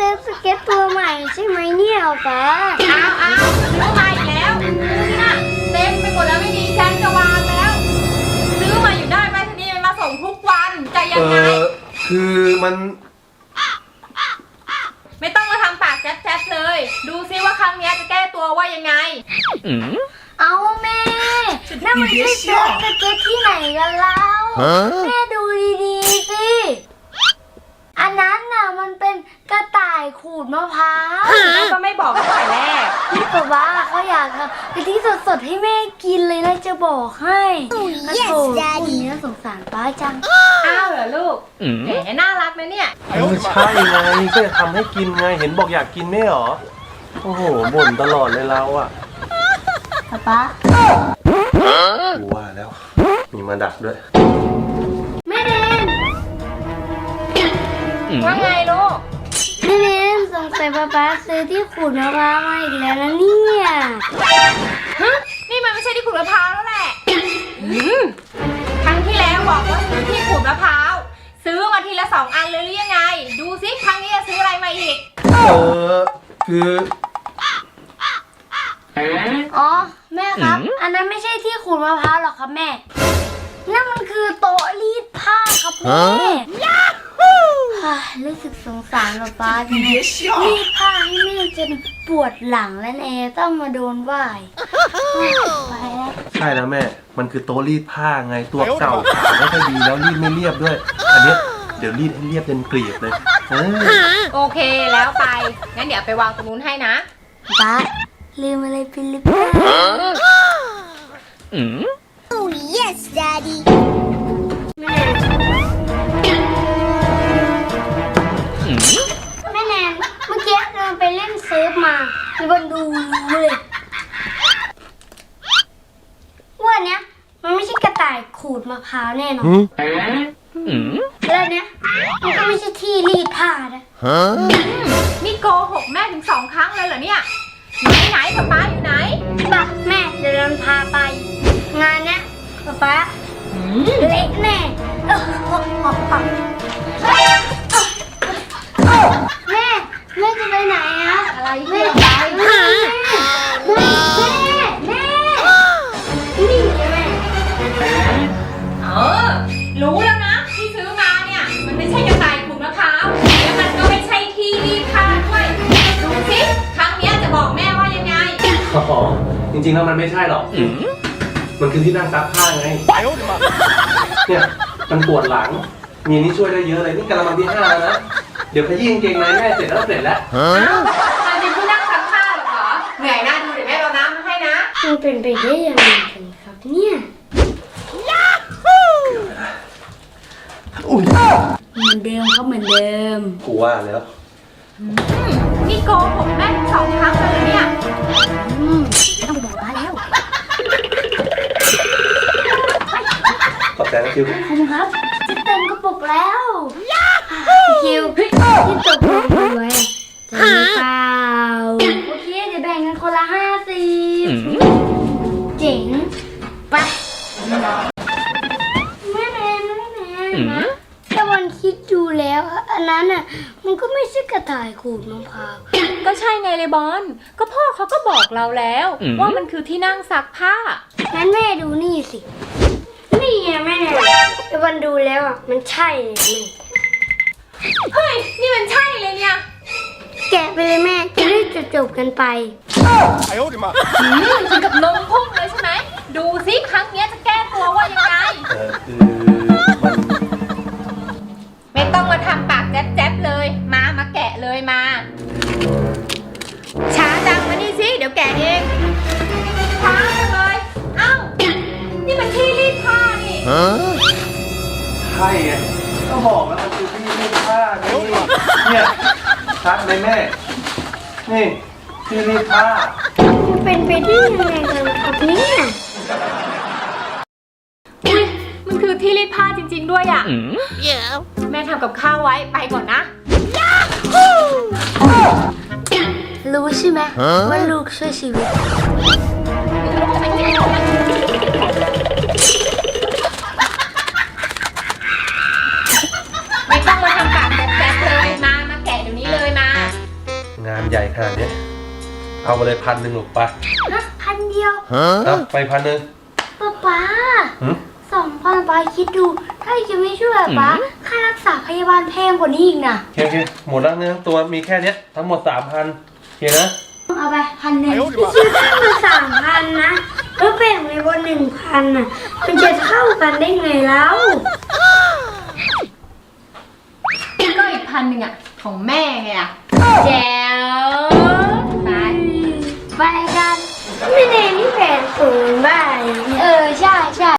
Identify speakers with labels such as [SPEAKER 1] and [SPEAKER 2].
[SPEAKER 1] นสเก็ตตัวใหม่ใช่ไหมเนี่ยป๊า
[SPEAKER 2] เอาซื้อมาอีกแล้วนี่นะเต็มไปหมดแล้วไม่มีชั้นจะวางแล้วซื้อมาอยู่ได้ไปทีนี้มันมาส่งทุกวันจะยังไง
[SPEAKER 3] คือมัน
[SPEAKER 2] ไม่ต้องมาทำปากแจ๊บๆเลยดูซิว่าครั้งนี้จะแก้ตัวว่ายังไง
[SPEAKER 1] เอาแม่นั่นมันไม่ใช่สเก็ตที่ไหนกันแล้วแม่ดูดีๆสิอันนั้นน่ะมันเป็นกระต่ายขูดมะพร้าว
[SPEAKER 2] แม่ก็ไม่บอกตั้งแต่แรก
[SPEAKER 1] พี่ป๊าป๊าเขาอยากทำกะทิสดๆให้แม่กินเลยนะจะบอกให้โอ้ยคุณนี้สงสารป้าจัง
[SPEAKER 2] อ้าวเหรอลูกแหมน่ารักนะเนี่ย
[SPEAKER 3] ใช่ไงก็จะทำให้กินไงเห็นบอกอยากกินไม่หรอโอ้โหบ่นตลอดเลยเราอ่ะ
[SPEAKER 1] ป๊า
[SPEAKER 3] กูว่าแล้วมีมาดักด้วย
[SPEAKER 1] แม่เดน
[SPEAKER 2] ว่าไงลูก
[SPEAKER 1] แม่เดนสงสัยป๊าซื้อที่ขูดมะพร้าวมาอีกแล้วนะเนี่ย
[SPEAKER 2] นี่มันไม่ใช่ที่ขูดมะพร้าวแล้วแหละครั้งที่แล้วบอกว่าซื้อที่ขูดมะพร้าวซื้อมาทีละ2 อันเลยหรือยังไงดูซิครั้งนี้จะซื้ออะไรมาอีก
[SPEAKER 3] คือ
[SPEAKER 1] อ๋อแม่ครับอันนั้นไม่ใช่ที่ขูดมะพร้าวหรอกครับแม่นั่นมันคือโต๊ะรีดผ้าครับแม่รู้สึกสงสารป๊าจังรีดผ้าให้แม่จนปวดหลังแล้วเอต้องมาโดนว่ายไปแล้ว
[SPEAKER 3] ใช่แล้วแม่มันคือโต๊ะรีดผ้าไงตัวเก่าขาไม่ค่อยดีแล้วรีดไม่เรียบด้วยอันนี้เดี๋ยวรีดให้เรียบเป็นเกลียบเลย
[SPEAKER 2] โอเคแล้วไปงั้นเดี๋ยวไปวางตรงนู้นให้นะ
[SPEAKER 1] ป๊าลืมอะไรไปหรือเปล่าOh yes daddy แม่แนนเมื่อกี้เราไปเล่นเซิร์ฟมามีคนดูเลยว่าเนี้ยมันไม่ใช่กระต่ายขูดมะพร้าวแน่นอนแล้วเนี้ยมันก็ไม่ใช่ที่รีดผ้านะ
[SPEAKER 2] นี่โกหกแม่ถึง2 ครั้งเลยเหรอเนี่ยไหนป๊าอยู่ไหน
[SPEAKER 1] ป๊าแม่เดี๋ยวเราพาไปงานเนี้ยป๊าเละแน่แม่จะไปไหนอะ
[SPEAKER 2] อะไรแม่ไป
[SPEAKER 1] แม่นี่แม่
[SPEAKER 2] รู้แล้วนะที่ซื้อมาเนี่ยมันไม่ใช่กระต่ายขูดมะพร้าวแล้วมันก็ไม่ใช่ที่รีดผ้าด้วยดูสิครั้งนี้จะบอกแม่ว่ายังไง
[SPEAKER 3] จริงๆแล้วมันไม่ใช่หรอกมันคือที่นั่งซักผ้าไงเนี่ยมันปวดหลังมีนี่ช่วยได้เยอะเลยนี่กระมังที่ 5แล้วนะเดี๋ยวขยี้กางเกงในแม่เสร็จแล้ว
[SPEAKER 2] มันเป็นที่นั่งซักผ้าหรอเหนื่อยนะดูเดี๋ยวแม่เอาน้ำมาให้นะ
[SPEAKER 1] มันเป็นไปได้ยังไงกันครับเนี่ยเหมือนเดิมครับเหมือนเดิม
[SPEAKER 3] กูว่าแล้ว
[SPEAKER 2] นี่โกหกแม่ถึง2 ครั้งเลยเนี่ย
[SPEAKER 1] ต้องไปบอกป้าแล้ว
[SPEAKER 3] ขอบใจนะคิว
[SPEAKER 1] ขอบคุณครับจะเต็มกระปุกแล้วคิวที่ตกลงกันไว้จะมีเปล่าโอเคเดี๋ยวแบ่งกันคนละ50เจ๋งไปไม่แน่นะแต่วันคิดดูแล้วอันนั้นน่ะมันก็ไม่ใช่กระต่ายขูดมะพร้าว
[SPEAKER 2] ก็ใช่ไงเลยบอลก็พ่อเขาก็บอกเราแล้วว่ามันคือที่นั่งซักผ้า
[SPEAKER 1] งั้นแม่ดูนี่สินี่ไงแม่แต่วันดูแล้วอ่ะมันใช่เลย
[SPEAKER 2] เฮ้ยนี่มันใช่เลยเนี่ย
[SPEAKER 1] แกะไปเลยแม่จะได้จบกันไป
[SPEAKER 2] ถึงกับนมพุ่งเลยใช่ไหมดูซิครั้งนี้จะแก้ตัวว่ายังไงไม่ต้องมาทำปากแจ๊บๆเลยมาแกะเลยมาช้าจังมานี่สิเดี๋ยวแกะเองช้าจังเลยเอ้านี่มันที่รีดผ้านี่
[SPEAKER 3] ใช่ไงก็บอกแล้วมันคือที่รีดผ้าเนี่ยชัดเลยแม่นี่ที่รีดผ้า
[SPEAKER 1] มันเป็นไปได้ยังไงกันครับเนี่ย
[SPEAKER 2] มันคือที่รีดผ้าจริงๆด้วยอ่ะแม่ทำกับข้าวไว้ไปก่อนนะ
[SPEAKER 1] รู้ใช่ไหมว่าลูกช่วยชีวิต
[SPEAKER 2] ไม่ต้องมาทำปากแจ๊บๆเลยมาแกะเดี๋ยวนี้เลยมา
[SPEAKER 3] เอาไปเลย1,000ลูกไป
[SPEAKER 1] นะพันเดียว
[SPEAKER 3] เอาไป1,000
[SPEAKER 1] ป๊า
[SPEAKER 3] หืม
[SPEAKER 1] 2,000ป๊าคิดดู ถ้าจะไม่ช่วยป๊าค่ารักษาพยาบาลแพงกว่านี้อีกนะ
[SPEAKER 3] โอเคหมดแล้วเนื้อตัวมีแค่เนี้ยทั้งหมด 3,000โอเคนะ
[SPEAKER 1] เอาไป1,000พี่คิดได้มา3,000นะแล้วแบ่งไปบน1,000น่ะมันจะเท่ากันได้ไงแล้ว
[SPEAKER 2] ก็อีก1,000อ่ะของแม่ไงอ่ะ
[SPEAKER 1] แจ๋ว
[SPEAKER 2] ไป
[SPEAKER 1] ไปกันไม่เนนี่แผน0 บาทใช่